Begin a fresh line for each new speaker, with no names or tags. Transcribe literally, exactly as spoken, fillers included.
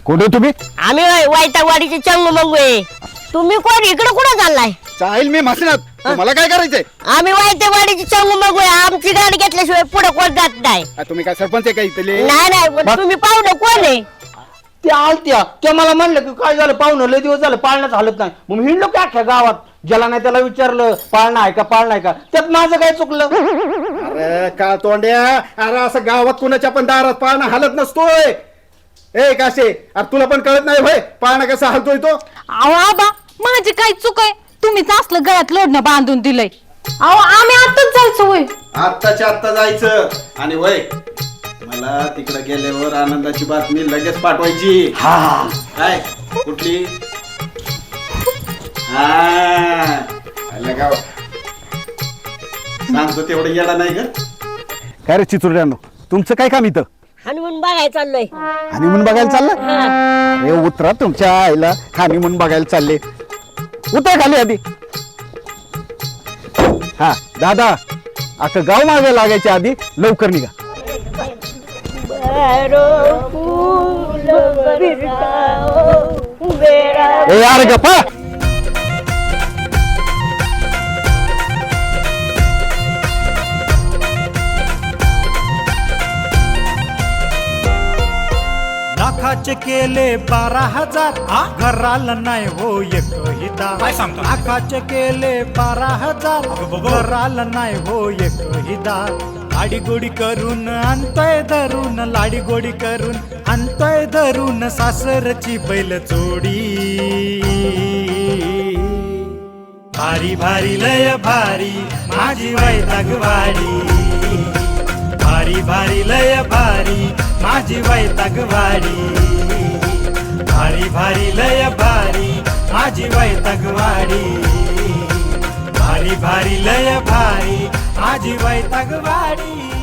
कोण आहे तुम्ही?
आम्ही वाईटावाडीचे चंगू मंगू आहे. तुम्ही कोण? इकडे कुठं चाललाय?
चाहेल मी म्हसनात, मला काय करायचंय?
आम्ही वाईटावाडीचे चंगू मंगू आहे. आमची गाडी घेतल्याशिवाय पुढे कोण जात नाही.
आ, तुम्ही काय सरपंच आहे का इथले?
नाही नाही पण तुम्ही पाहुणं कोण आहे?
ते आलत्या त्या मला म्हणलं की काय झालं पाहुणं लय दिवस झालं पाळण्यात हालत नाही. मग मी हिंडलो की अख्ख्या गावात, ज्याला नाही त्याला विचारलं पाळणा आहे का पाळणा आहे का. त्यात माझं काय चुकलं?
अरे का तोंड्या, अरे असं गावात कुणाच्या पण दारात पाळणा हालत नसतोय. ए काशे, अरे तुला पण कळत नाही होय पाळणा कसा हालतोय तो?
अहो आबा माझी काय चूक आहे? तुम्हीच असलं गळ्यात लोडणं बांधून दिलंय. अहो आम्ही आताच जायचो होय.
आत्ताच्या आत्ता जायचं आणि वय मला तिकडे गेल्यावर आनंदाची बातमी लगेच पाठवायची.
हा
काय कुठली? हा आलं गाव. सांगतो तेवढं येडा नाही का? काय रे चिचुरड्यानो, तुमचं काय काम इथं?
हनुमान बघायला चाललोय.
हनीमून बघायला चाललं? अरे उतरा तुमच्या आईला, हनीमून बघायला चालले. उतर खाली आधी. हा दादा, आता गाव मागे लागायच्या आधी लवकर निघा. ए यार गप्पा.
लाखाचे केले बारा हजार घराला नाही हो एकही दार.
काय सांगतो?
लाखाचे केले बारा हजार घराला नाही हो एकही दार. लाडी गोडी करून आणतोय धरून, लाडी गोडी करून आणतोय धरून सासरची बैल चोडी. भारी भारी लय भारी माझी वैतागवाडी. भारी भारी लय भारी माझी वैतागवाडी. भारी भारी लय भारी माझी वैतागवाडी. भारी भारी लय भारी माझी वैतागवाडी.